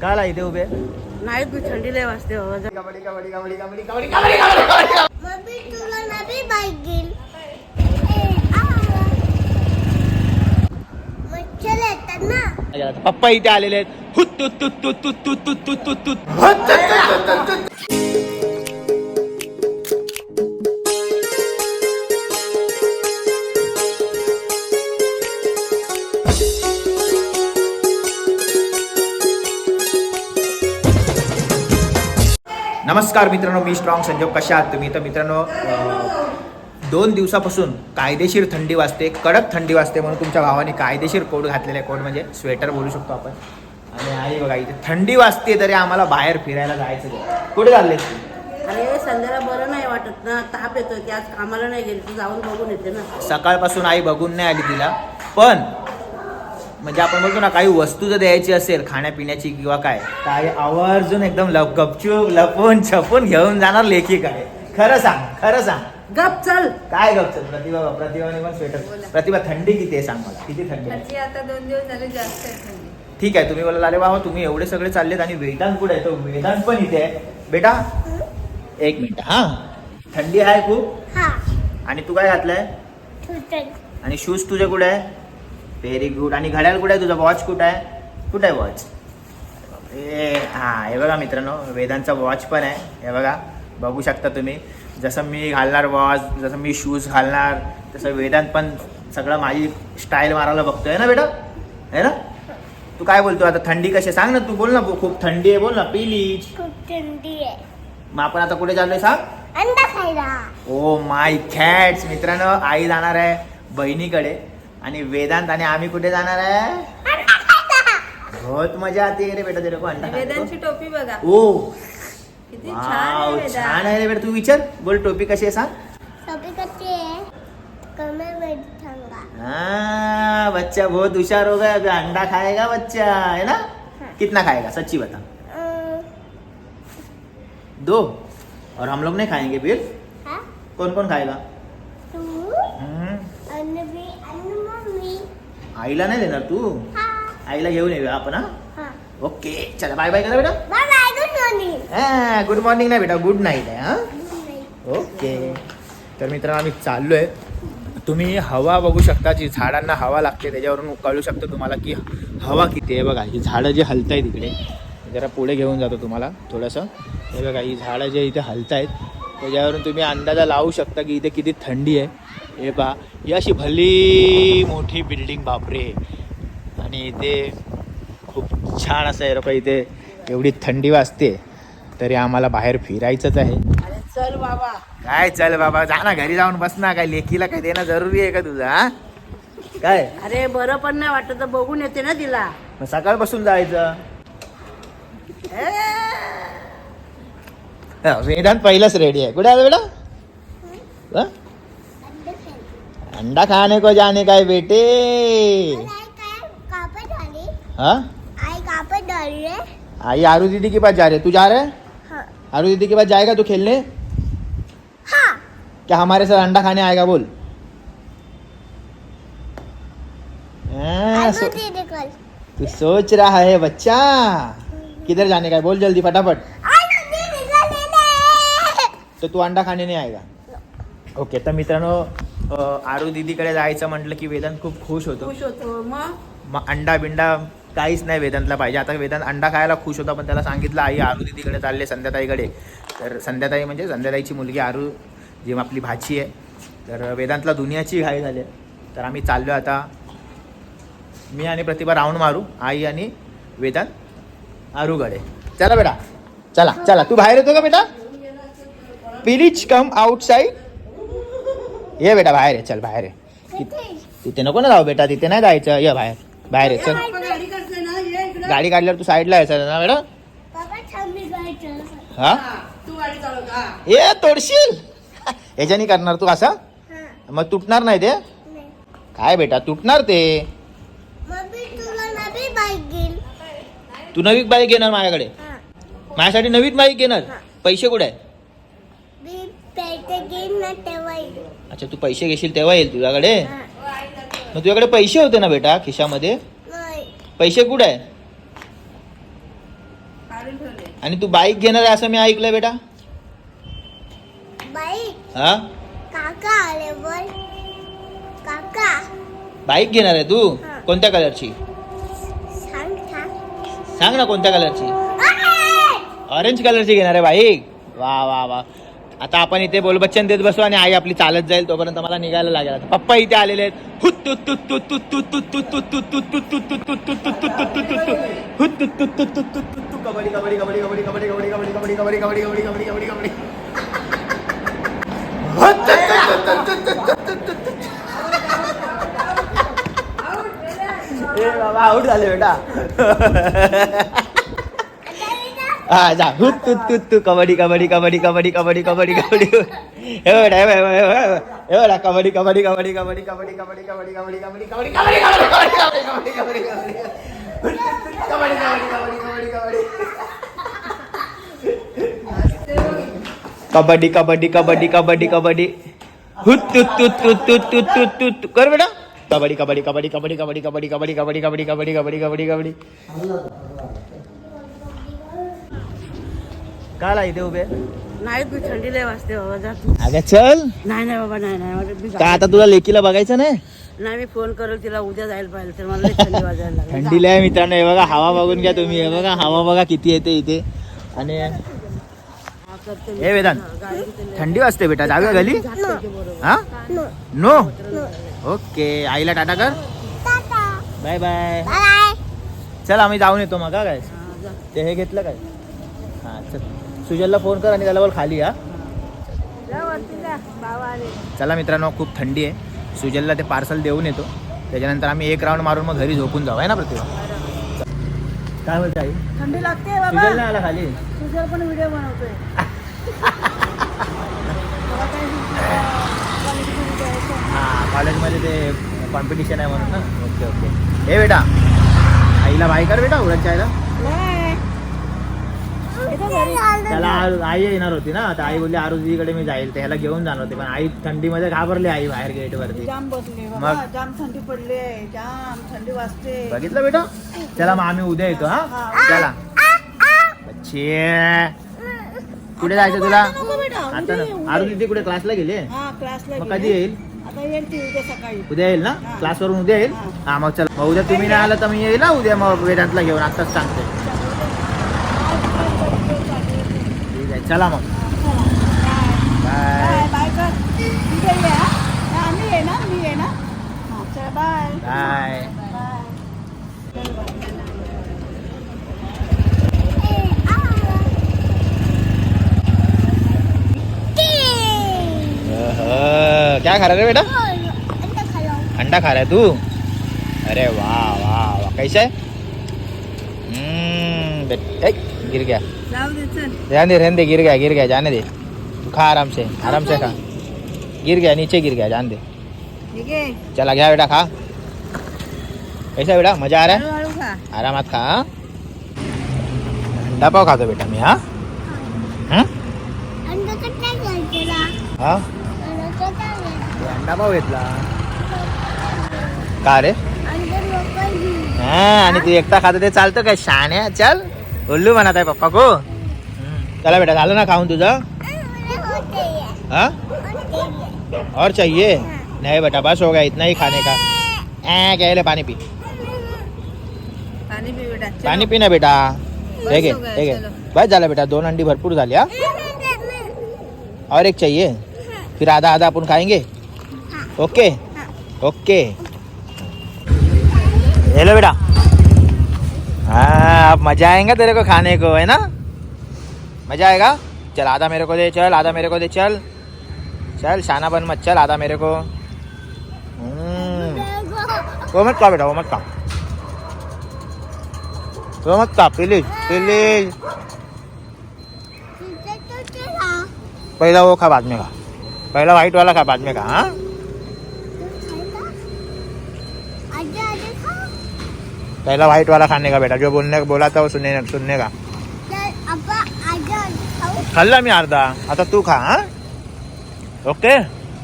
काला इथे उभे नाही तू थंडी लय वाजते बाबा. कबड्डी कबड्डी कबड्डी कबड्डी कबड्डी कबड्डी. मम्मी तुला नवी बाईक घेईल. मच्छर येतात ना. पप्पा इथे आलेले आहेत. हुत तुत तुत तुत तुत तुत तुत तुत तुत. नमस्कार मित्रांनो, मी स्ट्रॉंग संजोग. कशा आहात तुम्ही? तर मित्रांनो, 2 दिवसापासून कायदेशीर थंडी वाजते, कडक थंडी वाजते, म्हणून तुमच्या भावाने कायदेशीर कोट घातलेला आहे. कोट म्हणजे स्वेटर बोलू शकतो आपण. आणि आई बघा, इथे थंडी वाजते तरी आम्हाला बाहेर फिरायला जायचं. कुठे चालले तू? अरे संध्याला बरं नाही वाटत ना, ताप येतोय की आज कामाला नाही गेली, तू जाऊन बघून येते ना. सकाळपासून आई बघून नाही आली तिला, पण म्हणजे आपण बोलतो ना, काही वस्तू जर द्यायची असेल खाण्यापिण्याची किंवा काय, तर आई आवर्जून एकदम गपचूप लपून छपून घेऊन जाणार लेकीकडे. खरं सांग, खरं सांग. गप चल. काय गप चल? प्रतिभाने पण स्वेटर. प्रतिभा, थंडी किती आहे सांग मला, किती थंडी आहे? आता 2 दिवस झाले जास्त आहे थंडी. ठीक आहे, तुम्ही बोला अरे बाबा तुम्ही एवढे सगळे चाललेत आणि वेदांत कुठे आहे? तो वेदांत पण इथे आहे. बेटा 1 मिनिट. हा, थंडी आहे खूप. हा. आणि तू काय घातलंय? तुटन. आणि शूज तुझे कुठे आहे? Very good. आणि घड्याळ कुठे आहे तुझा? वॉच कुठे आहे? कुठे आहे वॉच? हा, हे बघा मित्रांनो, वेदांचा वॉच पण आहे. हे बघा, बघू शकता तुम्ही. जसं मी घालणार वॉच, जसं मी शूज घालणार, तसं वेदांत पण सगळं माझी स्टाईल मारायला बघतोय ना बेटा, है ना? तू काय बोलतो आता? थंडी कशी सांग ना, तू बोल ना. खूप थंडी आहे बोल ना. प्लीज. खूप थंडी आहे. मग आपण आता कुठे चाललोय सांग? अंडा खायला. Oh my cats. मित्रांनो, आई जाणार आहे बहिणीकडे आणि वेदांत आणि आम्ही कुठे जाणार आहे? बहुत मजा आती रे बेटा तेरे को अंडा खाने को. वेदांची टोपी बघा ओ किती छान वाव, आहे. छान आहे रे बेटा. तू विचार, बोल टोपी कशी आहे सांग. सभी कच्चे आहे. कमर मध्ये ठंगा. हाँ, बच्चा बहुत होशियार हो गया. अभी अंडा खाएगा बच्चा, है ना? कितना खाएगा सच्ची बता? 2. और हम लोग नहीं खाएंगे फिर? हाँ? कौन कौन खाएगा? तू हम्म, आणि मम्मी. आईला नाही देणार तू? हा. आईला घेऊन येऊया आपण. हा, हा. ओके, चला बाय बाय करा बेटा. Bye bye. Good morning. Good morning नाही बेटा, गुड नाईट आहे. हा, ओके. तर मित्रांनो, आम्ही चाललोय. तुम्ही हवा बघू शकता, जी झाडांना हवा लागते त्याच्यावरून कळू शकतं तुम्हाला की हवा किती आहे. बघा, ही झाडं जे हलत आहेत इकडे, जरा पुढे घेऊन जातो तुम्हाला थोडंसं. हे बघा, ही झाडं जे इथे हलत आहेत त्याच्यावरून तुम्ही अंदाजा लावू शकता की इथे किती थंडी आहे. हे पहा, ही अशी भली मोठी बिल्डिंग, बापरे. आणि इथे खूप छान असं आहे. लोक इथे एवढी थंडी वाजते तरी आम्हाला बाहेर फिरायचंच आहे. अरे चल बाबा. काय चल बाबा, जा ना घरी जाऊन बस ना. काय लेकीला काय देणं जरुरी आहे का तुझं? हा, काय? अरे बरं पण नाही वाटत तर बघून येते ना तिला. मग सकाळपासून जायचं. वेदांत पहिलाच रेडी आहे. कुठे आहे बेटा? अंडा खायला. अंडा खाने को जाने का है बेटे. आई काय कापड झाली. हाँ, आई कापड झाली रे. आई आरू दीदी के पास जा रहे. तू जा रहे? हाँ. आरू दीदी के पास जाएगा तू खेलने? हाँ. क्या हमारे साथ अंडा खाने आएगा? बोल. हाँ, आलू दीदी कल. तू सोच रहा है बच्चा किधर जाने का है? बोल जल्दी फटाफट. आलू दीदी का लेले. तो तू अंडा खाने नाही आएगा. ओके. तर मित्रांनो, आरू दीदीकडे जायचं म्हटलं की वेदांत खूप खुश होतो. खुश होतो. मग अंडा बिंडा काहीच नाही वेदांतला पाहिजे. आता वेदांत अंडा खायला खुश होता, पण त्याला सांगितलं आई आरू दीदीकडे चालले, संध्याताईकडे. तर संध्याताई म्हणजे संध्याताईची मुलगी आरू, जी आपली भाची आहे. तर वेदांतला दुनियाची घाई झाली आहे. तर आम्ही चाललो आता, मी आणि प्रतिभा राऊंड मारू, आई आणि वेदांत आरूकडे. चला बेटा, चला चला. तू बाहेर येतो का बेटा? Please come outside. ये बेटा बाहेर आहे. चल बाहेर आहे. तिथे नको ना जाऊ बेटा, तिथे नाही जायचं. ये बाहेर, बाहेर आहे. चल, गाडी करते ना, ये इकडे. गाडी काढल्यावर तू साईडला यायचं ना बेटा. बाबा थांबी जायचं. हा, तू गाडी चालव का? ये तोडशील. याच्यानी करणार तू असं? हा. मग तुटणार नाही ते. नाही. काय बेटा, तुटणार ते. मम्मी तुला नवी बाईक घेईल. तू नवी बाईक घेणार माझ्याकडे? हा. माझ्यासाठी नवीन बाईक घेणार? पैसे कुठे आहे? मी पैसे घेईन ना तेव्हा येईल. अच्छा, तू पैसे घेशील तेव्हा येईल तुझ्याकडे. हा. मग तुझ्याकडे पैसे होते ना बेटा खिशामध्ये? नाही. पैसे कुठे आहे? काढून ठेवले. आणि तू बाईक घेणार आहे असं मी ऐकलंय बेटा. बाई हा काका आले बोल काका बाईक घेणार आहे तू. हा. कोणत्या कलरची सांग सांग सांग ना कोणत्या कलरची. अरे! ऑरेंज कलरची घेणार आहे बाईक. वा वा वा. आता आपण इथे बोलबच्चन देत बसू आणि आई आपली चालत जाईल. तोपर्यंत मला निघायला लागेल. आता पप्पा इथे आलेले आहेत. कबड्डी कबड्डी कबड्डी कबड्डी कबड्डी कबड्डी कबड्डी कबड्डी कबड्डी कबड्डी कबड्डी कबड्डी कबड्डी ए बाबा आउट झाले बेटा. हा जा हुत तू तू तू कबड्डी कबड्डी कबड्डी कबड्डी कबड्डी कबड्डी कबड्डी हे बेटा हे बेटा कबड्डी कबड्डी कबड्डी कबड्डी कबड्डी कबड्डी कबड्डी कबड्डी कबड्डी कबड्डी कबड्डी कबड्डी कबड्डी कबड्डी कबड्डी कबड्डी कबड्डी कबड्डी कबड्डी हुत तू तू तू तू तू तू तू तू कर बेटा. कबड्डी कबड्डी कबड्डी कबड्डी कबड्डी कबड्डी कबड्डी कबड्डी कबड्डी कबड्डी कबड्डी कबड्डी कबड्डी. काय ला इथे उभे. नाही तू थंडी लय वाजते बाबा जा तू. अगं चल. नाही नाही बाबा नाही नाही मला का आता तुला लेकीला बघायचं नाही. नाही मी फोन करेल तिला उद्या जायला पाहिजे तर मला लय थंडी वाजायला लागली. थंडीला आहे मित्रांनो. हे बघा हवा बघून घ्या तुम्ही. हे बघा हवा बघा किती येते इथे. आणि हा, करते मी. हे वेदांत गाडी किती थंडी वाजते बेटा. जाऊया घरी. जाते ते बरोबर. हा नो नो नो ओके. आईला टाटा कर. Tata bye bye. बाय चल आम्ही जाऊन येतो मग. काय हा, जा. ते हे घेतलं काय. हा चल सुजलला फोन कर आणि त्याला बोल खाली. हा जा वरती जा, बाबा आले. चला मित्रांनो खूप थंडी आहे. सुजलला ते पार्सल देऊन येतो. त्याच्यानंतर आम्ही एक राऊंड मारून मग घरी झोपून जाऊ आहे ना प्रतिभा. काय बोलते आई. थंडी लागते बाबा. सुजल नाही आला खाली. तुझ्यावर पण व्हिडिओ बनवतोय. हां कॉलेजमध्ये ते कॉम्पिटिशन आहे म्हणून ना. Okay okay. हे बेटा आईला बाय कर बेटा. उडत आईला त्याला आई येणार होती ना. तर आई बोलली आरुजीकडे मी जाईल. त्याला घेऊन जाणार होते पण आई थंडीमध्ये घाबरली. आई बाहेर गेट वरती. जाम बसले मग? बाबा जाम थंडी पडली आहे. जाम थंडी वाजते. बघितलं बेटा. चला मग आम्ही उद्या येतो. हा चला बच्चे. कुठे जायचं तुला नको बेटा, आता उद्या ना. ये, आरुजी ती कुठे क्लासला गेली. हा क्लासला मग गेली. कधी येईल. आता येईल ती उद्या सकाळी. उद्या येईल ना. हा. क्लासवरून उद्या येईल. हा. हा मग चला. मग उद्या तुम्ही नाही आला तर मी येईल ना उद्या. मग वेदांतला घेऊन आत्ताच सांगते. ठीक आहे चला मग. बाय बाय कर. उद्या ये हा. हा, आम्ही ये ना मी ये ना. हा, चला बाय बाय. क्या खा रहा है बेटा. अंडा खालो अंडा खा रहा है तू. अरे वाह वाह वाह. कैसा है. गिर गया. जाऊ दे चल. रहने दे. गिर गया जाने दे. तू खा आराम से खा. गिर गया नीचे गिर गया जान दे. ठीक आहे. चला गया बेटा खा. कैसा बेटा मजा आ रहा है. हळूहळू खा. आरामात खा. अंडा पाव खातो बेटा मी. हा अंडा कट्टा घ्यायचा हा अंडा कट्टा घ्यायचा अंडा पाव घेतला. का रे. अंडा लोकल घे हा आणि तू एकटा खातो ते चालतं काय. शाण्या चल. उल्लू म्हणत आहे पप्पा को. चला बेटा झालं ना खाऊन तुझं. हाँ और चाहिए. नहीं बेटा बस हो गया इतना ही खाने का. क्या ले पानी पी. पाणी पी बेटा. चलो. पानी पीना बेटा. ठीक हो गया, है चलो. बस झालं बेटा. 2 अंडी भरपूर झाली. हा और एक चाहिए. फिर आधा आधा अपन खाएंगे. Okay okay. हेलो बेटा. हाँ अब मजा आएगा तेरे को खाने को है ना. मजा आएगा. चल आधा मेरे को दे. चल आधा मेरे को दे. चल चल शाना बन मत. चल आधा मेरे को. वो मत खा बेटा. वो मत खा. वो मत खा प्लीज प्लीज. पहिला वो खा बाद में खा. पहिला व्हाइट वाला खा बाद में खा. हाँ पहला व्हाइट वाला खाने का बेटा. जो बोला था वो सुनने का. खाल्ला मी अर्धा. आता तू खा. हा ओके.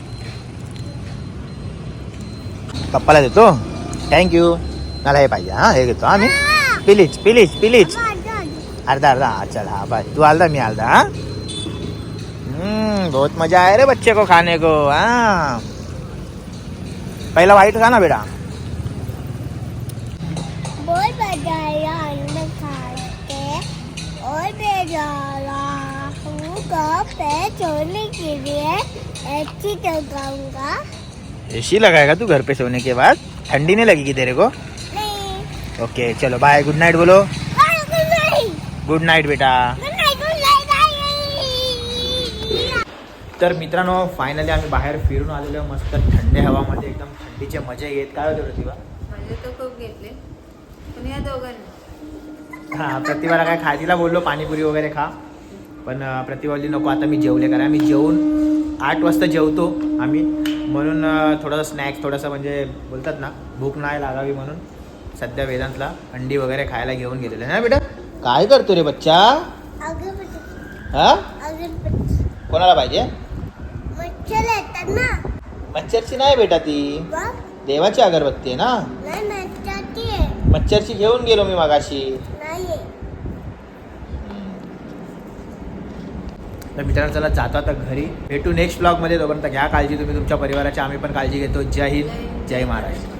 पप्पाला देतो. थँक्यू. मला हे पाहिजे. हा हे घेतो. हा मी प्लीज प्लीज प्लीज अर्धा अर्धा हाँ चल हाँ भाई तू आलदा मैं आलदा हाँ बहुत मजा आया रे बच्चे को खाने को हाँ पहला वाइट खा ना बेटा बहुत मजा आया अंडा खा के और मैं जा रहा हूँ घर पे सोने के लिए ऐसी लगाऊंगा एसी लगाएगा तू घर पे सोने के बाद ठंडी नहीं लगेगी तेरे को नहीं ओके चलो बाय गुड नाइट बोलो गुड नाइट गुड नाइट बेटा गुड नाइट तर मित्रांनो फायनली आम्ही बाहेर फिरून आलेलो आहे मस्त थंड हवामध्ये एकदम थंडीचे मजा येत काय होते प्रतिभा माझे तर खूप घेतले पण या दोघांनी हां प्रतिभाला काय खायला बोललो पाणीपुरी वगैरे खा पण प्रतिभा बोलली नको आता मी जेवले कारण आम्ही जेवून 8 वाजता जेवतो आम्ही म्हणून थोडंसं स्नॅक्स थोडंसं म्हणजे बोलतात ना भूक नाही लागावी म्हणून सध्या वेदांतला अंडी वगैरे खायला घेऊन गेलेलं आहे ना बेटा काय करतो रे बच्चा अगरबत्ती हा अगरबत्ती कोणाला पाहिजे मच्छर येतात ना मच्छरची नाही बेटा ती बघ देवाची अगरबत्ती आहे ना नाही मच्छरची आहे मच्छरची घेऊन गेलो मी मागाशी नाही तर मित्रांनो चला जातो आता घरी भेटू नेक्स्ट ब्लॉगमध्ये तोपर्यंत घ्या काळजी तुम्ही तुमच्या परिवाराची आम्ही पण काळजी घेतो जय हिंद जय महाराष्ट्र